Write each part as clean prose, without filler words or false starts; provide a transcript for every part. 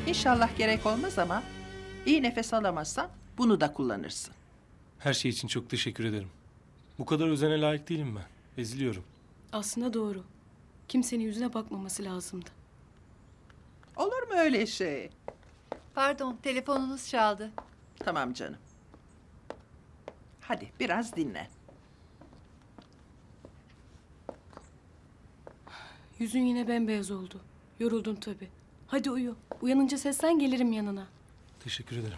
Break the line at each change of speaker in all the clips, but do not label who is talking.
İnşallah gerek olmaz ama iyi nefes alamazsan bunu da kullanırsın.
Her şey için çok teşekkür ederim. Bu kadar özene layık değilim ben. Eziliyorum.
Aslında doğru. Kimsenin yüzüne bakmaması lazımdı.
Olur mu öyle şey?
Pardon, telefonunuz çaldı.
Tamam canım. Hadi biraz dinlen.
Yüzün yine bembeyaz oldu. Yoruldun tabii. Hadi uyu. Uyanınca seslen gelirim yanına.
Teşekkür ederim.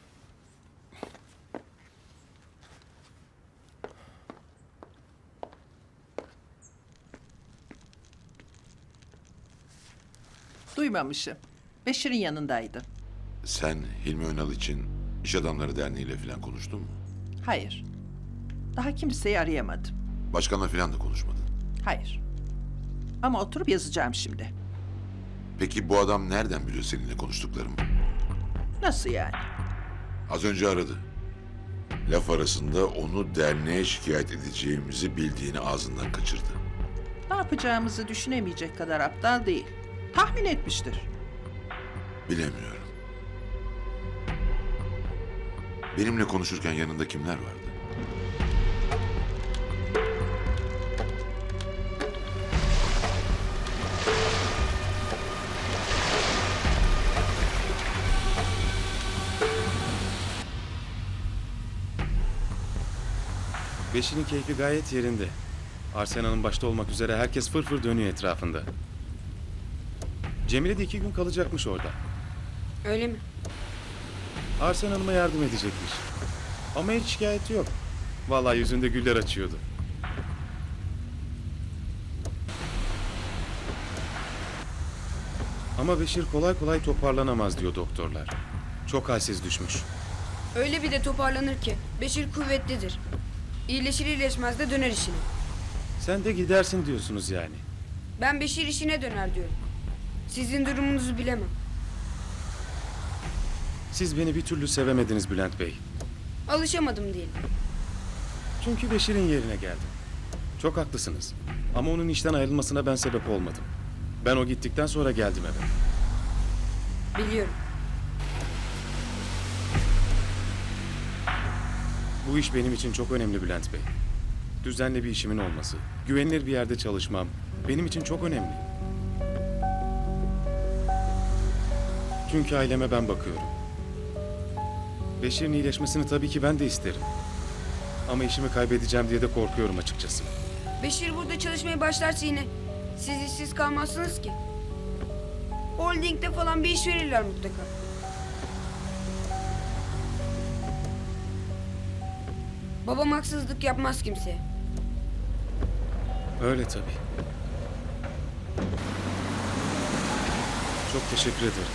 Duymamışım. Beşir'in yanındaydı.
Sen Hilmi Önal için İş Adamları Derneği ile falan konuştun mu?
Hayır. Daha kimseyi arayamadım.
Başkanla falan da konuşmadın.
Hayır. Ama oturup yazacağım şimdi.
Peki bu adam nereden biliyor seninle konuştuklarımı?
Nasıl yani?
Az önce aradı. Laf arasında onu derneğe şikayet edeceğimizi bildiğini ağzından kaçırdı.
Ne yapacağımızı düşünemeyecek kadar aptal değil. Tahmin etmiştir.
Bilemiyorum. Benimle konuşurken yanında kimler vardı?
Beşir'in keyfi gayet yerinde. Arsena'nın başta olmak üzere herkes fırfır dönüyor etrafında. Cemile de 2 gün kalacakmış orada.
Öyle mi?
Arsen Hanım'a yardım edecekmiş. Ama hiç şikayeti yok. Vallahi yüzünde güller açıyordu. Ama Beşir kolay kolay toparlanamaz diyor doktorlar. Çok halsiz düşmüş.
Öyle bir de toparlanır ki. Beşir kuvvetlidir. İyileşir iyileşmez de döner işine.
Sen de gidersin diyorsunuz yani.
Ben Beşir işine döner diyorum. Sizin durumunuzu bilemem.
Siz beni bir türlü sevemediniz Bülent Bey.
Alışamadım diyelim.
Çünkü Beşir'in yerine geldim. Çok haklısınız. Ama onun işten ayrılmasına ben sebep olmadım. Ben o gittikten sonra geldim eve.
Biliyorum.
Bu iş benim için çok önemli Bülent Bey. Düzenli bir işimin olması, güvenilir bir yerde çalışmam benim için çok önemli. Çünkü aileme ben bakıyorum. Beşir'in iyileşmesini tabii ki ben de isterim. Ama işimi kaybedeceğim diye de korkuyorum açıkçası.
Beşir burada çalışmaya başlarsa yine siz işsiz kalmazsınız ki. Holdingde falan bir iş verirler mutlaka. Babam haksızlık yapmaz kimseye.
Öyle tabii. Çok teşekkür ederim.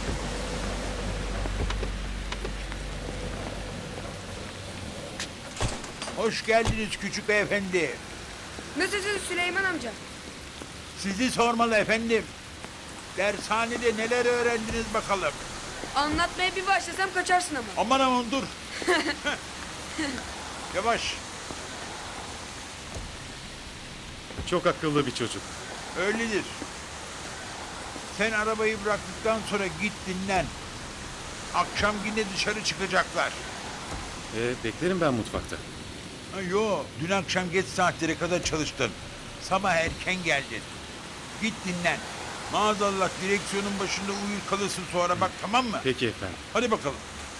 Hoş geldiniz küçük beyefendi.
Nasılsınız Süleyman amca?
Sizi sormalı efendim. Dershanede neler öğrendiniz bakalım.
Anlatmaya bir başlasam kaçarsın ama.
Aman aman dur. Yavaş.
Çok akıllı bir çocuk.
Öyledir. Sen arabayı bıraktıktan sonra git dinlen. Akşam yine dışarı çıkacaklar.
Beklerim ben mutfakta.
Ha, yo, dün akşam geç saatlere kadar çalıştın. Sabah erken geldin. Git dinlen. Maazallah direksiyonun başında uyur kalırsın sonra bak, tamam mı?
Peki efendim.
Hadi bakalım.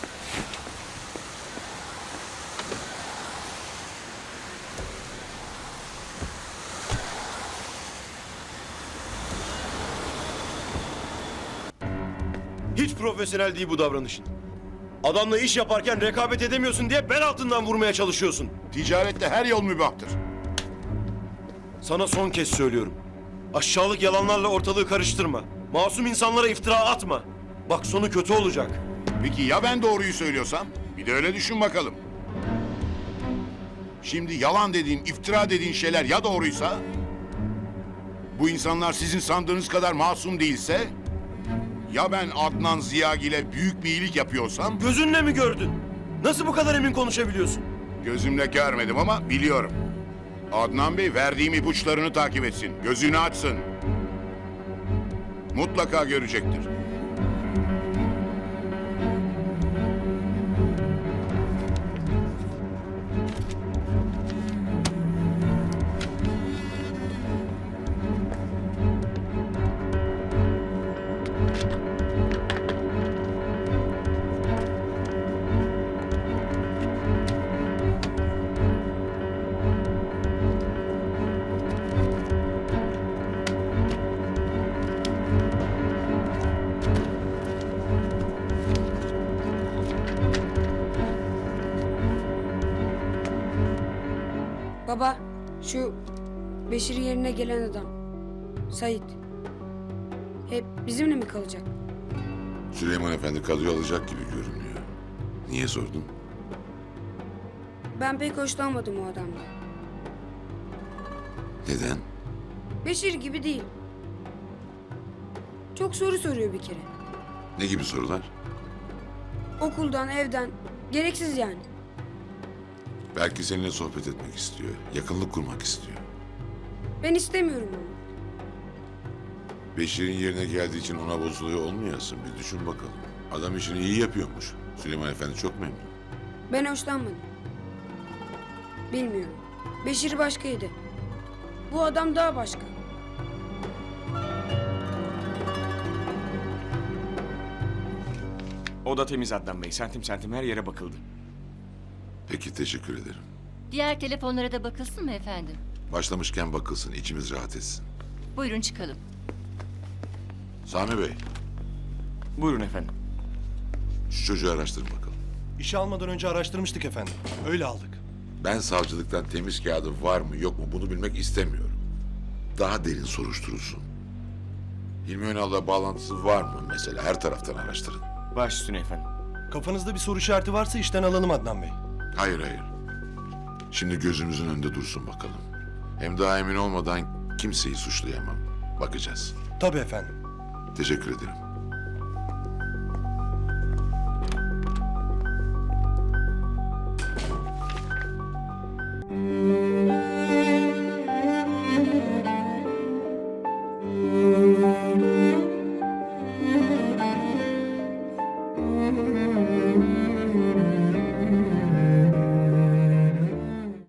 Hiç profesyonel değil bu davranışın. Adamla iş yaparken rekabet edemiyorsun diye bel altından vurmaya çalışıyorsun.
Ticarette her yol mübahtır.
Sana son kez söylüyorum. Aşağılık yalanlarla ortalığı karıştırma. Masum insanlara iftira atma. Bak sonu kötü olacak.
Peki ya ben doğruyu söylüyorsam? Bir de öyle düşün bakalım. Şimdi yalan dediğin, iftira dediğin şeyler ya doğruysa? Bu insanlar sizin sandığınız kadar masum değilse? Ya ben Adnan Ziyagil'e büyük bir iyilik yapıyorsam?
Gözünle mi gördün? Nasıl bu kadar emin konuşabiliyorsun?
Gözümle görmedim ama biliyorum. Adnan Bey verdiğim ipuçlarını takip etsin. Gözünü açsın. Mutlaka görecektir.
Baba, şu Beşir'in yerine gelen adam. Sait. Hep bizimle mi kalacak?
Süleyman Efendi kadroyu alacak gibi görünüyor. Niye sordun?
Ben pek hoşlanmadım o adamdan.
Neden?
Beşir gibi değil. Çok soru soruyor bir kere.
Ne gibi sorular?
Okuldan, evden. Gereksiz yani.
Belki seninle sohbet etmek istiyor. Yakınlık kurmak istiyor.
Ben istemiyorum onu.
Beşir'in yerine geldiği için ona bozuluyor olmayasın. Bir düşün bakalım. Adam işini iyi yapıyormuş. Süleyman Efendi çok memnun.
Ben hoşlanmadım. Bilmiyorum. Beşir başkaydı. Bu adam daha başka.
Oda temiz Adnan Bey. Santim santim her yere bakıldı.
Peki teşekkür ederim.
Diğer telefonlara da bakılsın mı efendim?
Başlamışken bakılsın, içimiz rahat etsin.
Buyurun çıkalım.
Sami Bey,
Buyurun efendim.
şu çocuğu araştırın bakalım.
İşe almadan önce araştırmıştık efendim. Öyle aldık.
Ben savcılıktan temiz kağıdı var mı yok mu bunu bilmek istemiyorum. Daha derin soruşturulsun. Hilmi Önal'la bağlantısı var mı mesela? Her taraftan araştırın.
Baş üstüne efendim.
Kafanızda bir soru işareti varsa işten alalım Adnan Bey.
Hayır hayır. Şimdi gözümüzün önünde dursun bakalım. Hem daha emin olmadan kimseyi suçlayamam. Bakacağız.
Tabii efendim.
Teşekkür ederim.